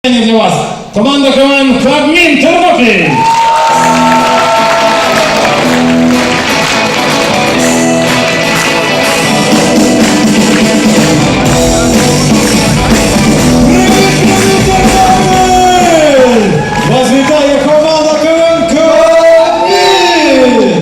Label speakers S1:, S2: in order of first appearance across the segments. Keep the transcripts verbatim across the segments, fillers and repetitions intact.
S1: Для вас команда КВН «Кабмін Тернопіль». Вас вітає команда КВН «Кабмін».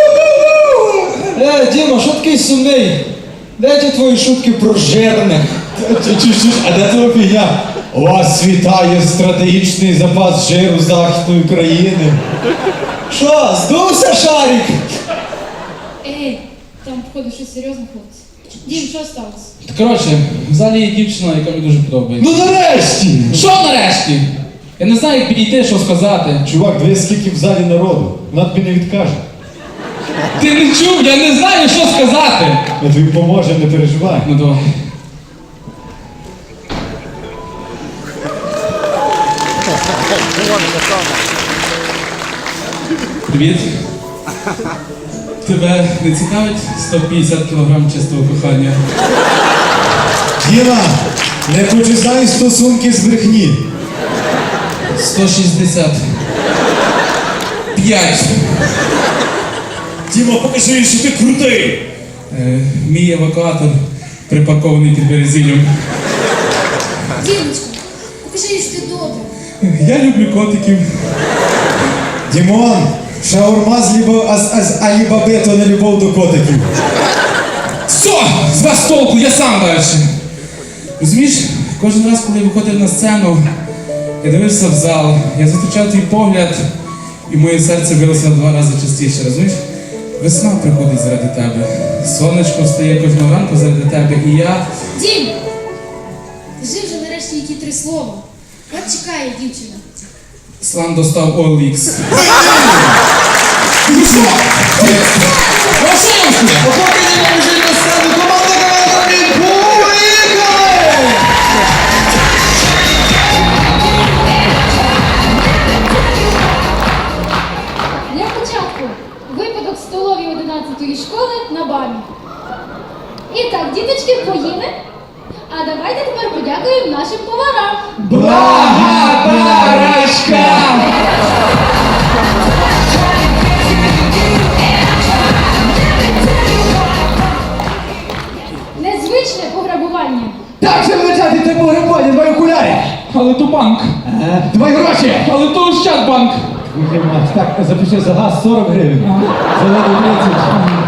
S2: Е, Діма, що такий сумний? Де ті твої шутки про жирних?
S1: А де твоя фігня? Вас вітає стратегічний запас жиру Західної України.
S2: Що, здувся шарик?
S3: Ей, там, походу, щось серйозне, хлопці. Дім, що сталося?
S4: Коротше, в залі є дівчина, яка мені дуже подобається.
S1: Ну нарешті!
S4: Що нарешті? Я не знаю, як підійти, що сказати.
S1: Чувак, дивись, скільки в залі народу. Вона тобі не відкаже.
S4: Ти не чув, я не знаю, що сказати.
S1: Ми тобі поможемо, не переживай.
S4: Ну давай. Привіт. Тебе не цікавить сто п'ятдесят кілограм чистого кохання?
S1: Діма, не починай стосунки з брехні.
S4: сто шістдесят п'ять.
S1: Діма, покажи, що ти крутий.
S4: Е, мій евакуатор припаркований під березіллям.
S3: Дімочка, покажи, що ти добре.
S4: Я люблю котиків.
S1: Дімон, шаурма з, лібо, а, з, а, з Алібаби – то не любов до котиків.
S4: Все, з вас толку, я сам далі. Розумієш, кожен раз, коли я виходив на сцену, я дивився в зал, я зустрічав твій погляд, і моє серце билося в два рази частіше, розумієш? Весна приходить заради тебе, сонечко встає кожного ранку заради тебе, і я...
S3: Дім, кажи вже нарешті які три слова. От чекає дівчина.
S4: Слан достав о ел ікс. Ну що? Ну що я вам скажу?
S2: Поки не біжить на сцену, команда КВН поїхали!
S3: Для початку випадок в столовій одинадцятої школи на бамі. І так, діточки, поїли. А давайте тепер подякуємо нашим поварам.
S4: Благодарочка!
S3: Незвичне пограбування.
S2: Так же влетяти ти погребання, твої окуляри!
S4: Але то банк.
S2: Твої гроші!
S4: Але то Ощадбанк.
S1: Так, запиши за газ сорок гривень. За воду тридцять.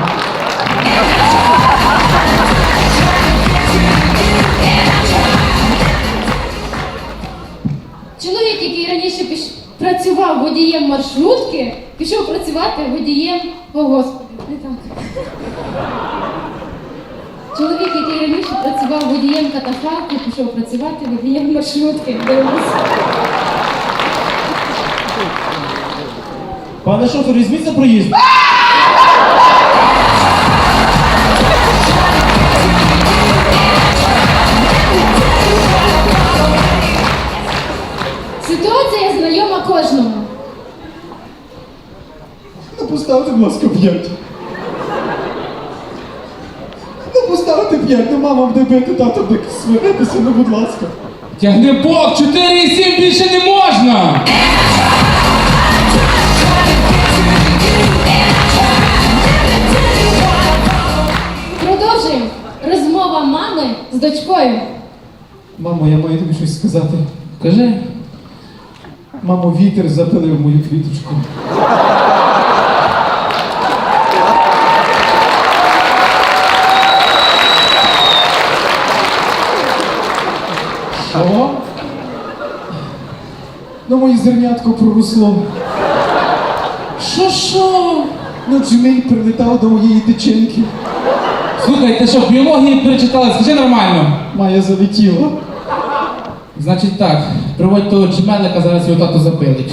S3: Чоловік, який раніше піш... працював водієм маршрутки, пішов працювати водієм, о господи, не так. Чоловік, який раніше працював водієм катафалки, пішов працювати водієм маршрутки. Дивимось.
S1: Пане шофер, візьміть за проїзд.
S3: Ситуація знайома кожному.
S1: Ну поставте, будь ласка, п'ять. Ну поставте п'ять, ну мама буде бити, тато буде сваритися, ну будь ласка.
S4: Тягни бок, чотири і сім більше не можна!
S3: Продовжуємо. Розмова мами з дочкою.
S1: Мамо, я маю тобі щось сказати.
S4: Кажи.
S1: Мамо, вітер запилив мою квіточку. Що? Ну, моє зернятко проросло.
S4: Що-що?
S1: Ну, джміль прилетав до моєї дичинки.
S4: Слухай, ти що, в біології перечитала? Скажи нормально.
S1: Майя залетіла.
S4: Значить так, приводь того джмелика, зараз його тато запилить.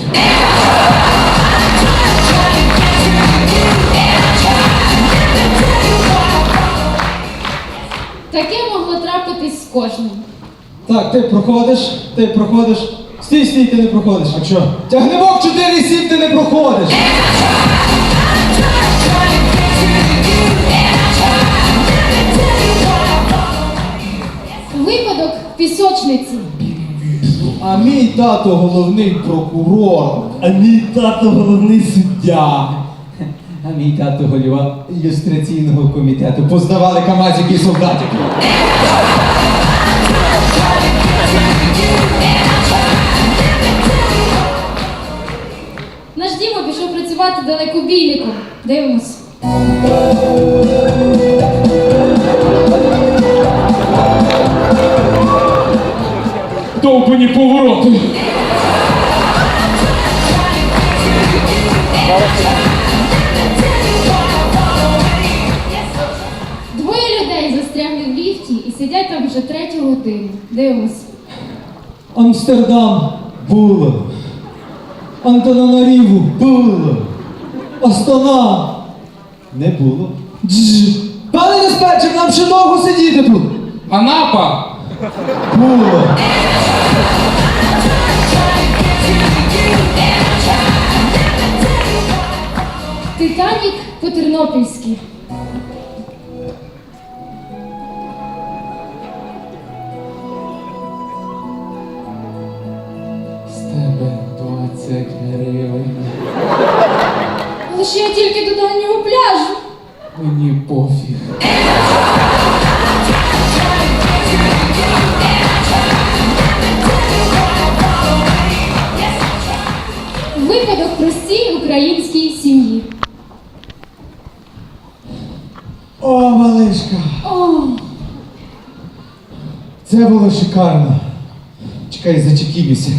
S3: Таке могло трапитись з кожним.
S2: Так, ти проходиш, ти проходиш. Стій, стій, ти не проходиш.
S1: А що?
S2: Тягнебок чотири сім, ти не проходиш.
S3: Випадок в пісочниці.
S2: А мій тато головний прокурор.
S1: А мій тато головний суддя.
S2: А мій тато голова ілюстраційного комітету. Познавали камазики і солдатики.
S3: Наш Діма пішов працювати далекобійником. Дивимось.
S4: Довбані повороти.
S3: Двоє людей застрягли в ліфті і сидять там вже третю годину. Дивимось.
S2: Амстердам було. Антананаріву було. Астана не було. Дж. Пане диспетчер, нам ще довго сидіти тут.
S4: Анапа.
S2: Було.
S3: Титанік по-тернопільськи.
S4: З тебе двадцять гривень.
S3: Але ж я тільки до дальнього пляжу.
S4: Мені пофіг.
S3: Випадок в простій українській сім'ї.
S2: О, малишка.
S3: О,
S2: Це було шикарно. Чекай, зачекімося.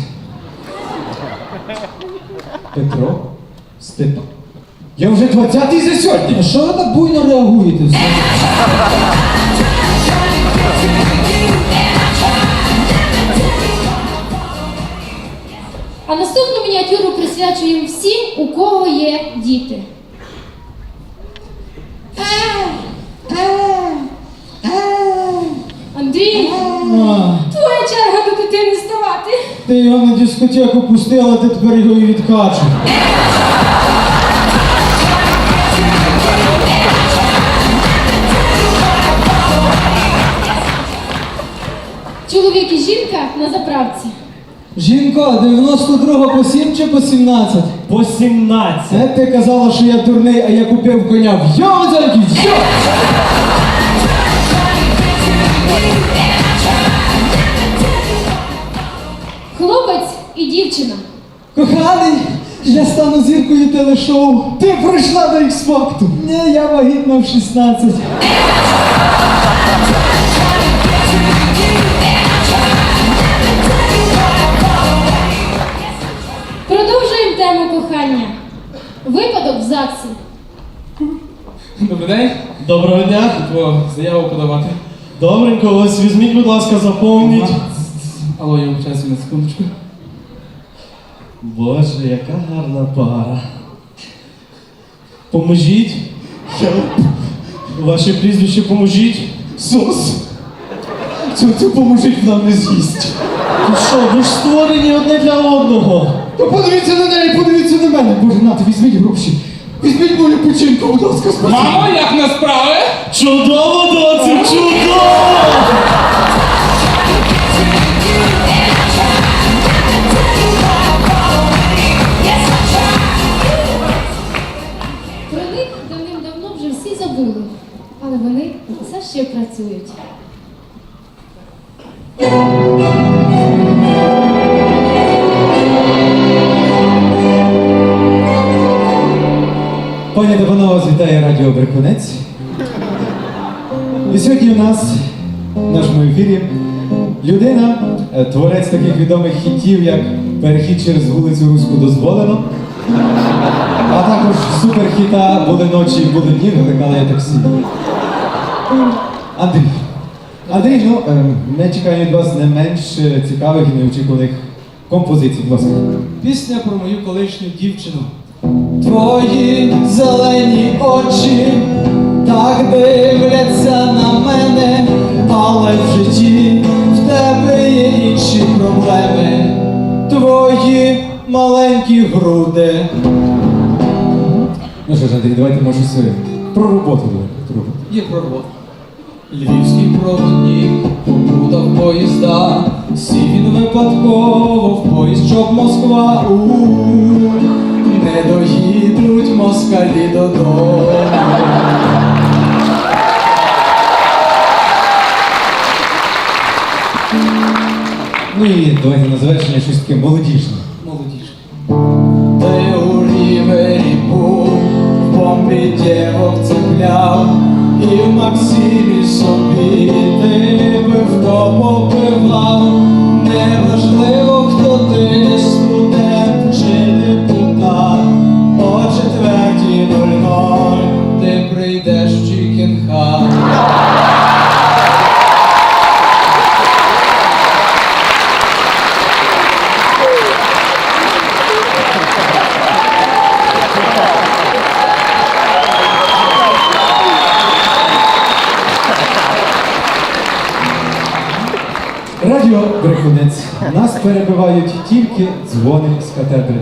S2: Петро? Степан. Я вже двадцятий за сьогодні. А що ви так буйно реагуєте все?
S3: а наступну мініатюру присвячуємо всім, у кого є діти. Андрій,
S2: А,
S3: твоя черга до дитини ставати.
S2: ти його на дискотеку пустила, ти тепер його і відкачуєш.
S3: Чоловік і жінка на заправці.
S2: Жінко, дев'яносто друга по сім чи по сімнадцять?
S1: По сімнадцять.
S2: Це ти казала, що я дурний, а я купив коня. Йо, зайки, йо!
S3: Хлопець і дівчина.
S2: Коханий, я стану зіркою телешоу. Ти прийшла до Ікс-факту. Ні, я вагітна в шістнадцять.
S3: Продовжуємо тему кохання. Випадок в ЗАГСі.
S4: Добрий день.
S1: Доброго дня.
S4: О, заяву подавати.
S1: Добренько, ось візьміть, будь ласка, заповніть.
S4: Алло, я вчаюся на секундочку.
S1: Боже, яка гарна пара. Поможіть. Ваше прізвище поможіть. Сос. Це, це поможіть нам не з'їсть. Ну що, ви ж створені одне для одного.
S2: То подивіться на неї, подивіться на мене. Боже, нате, візьміть гроші. Візьміть мою печінку, будь ласка, спасибо.
S4: Мамо, як на справи?
S1: Чудово, доцю, чудово!
S3: Про них давним-давно вже всі забули, але вони все ще працюють.
S2: Пані та панове, вас вітає Радіо Брикунець. І сьогодні у нас в нашому ефірі людина, е, творець таких відомих хітів, як «Перехід через вулицю Руську дозволено», а також суперхіта «Були ночі, були дні, викликала я таксі». Андрій. Андрій, ну, е, ми чекаємо від вас не менш е, цікавих і неочікуваних композицій, будь ласка.
S5: Пісня про мою колишню дівчину.
S2: Твої зелені очі так дивляться на мене, але в житті в тебе є інші проблеми. Твої маленькі груди. Ну що ж, Андрій, давайте може все про роботу. Про роботу.
S5: Є про роботу. Львівський проводник, побув плутав поїзда, сів він випадково в поїзд, щоб Москва. У-у-у, не доїдуть москалі додому.
S2: Ну і давайте на завершення щось таке молодіжне.
S5: Молодіжка. Ти у рівері був, в бомбі дівок цепляв, і в Максимі собі ти пивко попивав. Неважливо, хто ти, студент чи депутат, о четвертій нуль ноль ти прийдеш в Чікінхат.
S2: Радіо Брехунець. Нас перебивають тільки дзвони з катедри.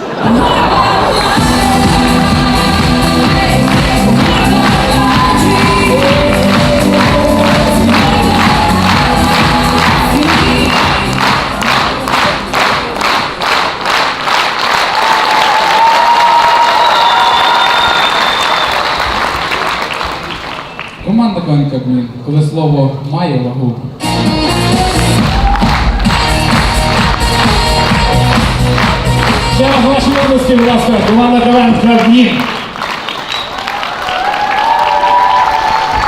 S4: Команда КВН Кабмін, коли слово має вагу.
S1: Ще раз ваші обласки, будь ласка, команда КВН Кабмін.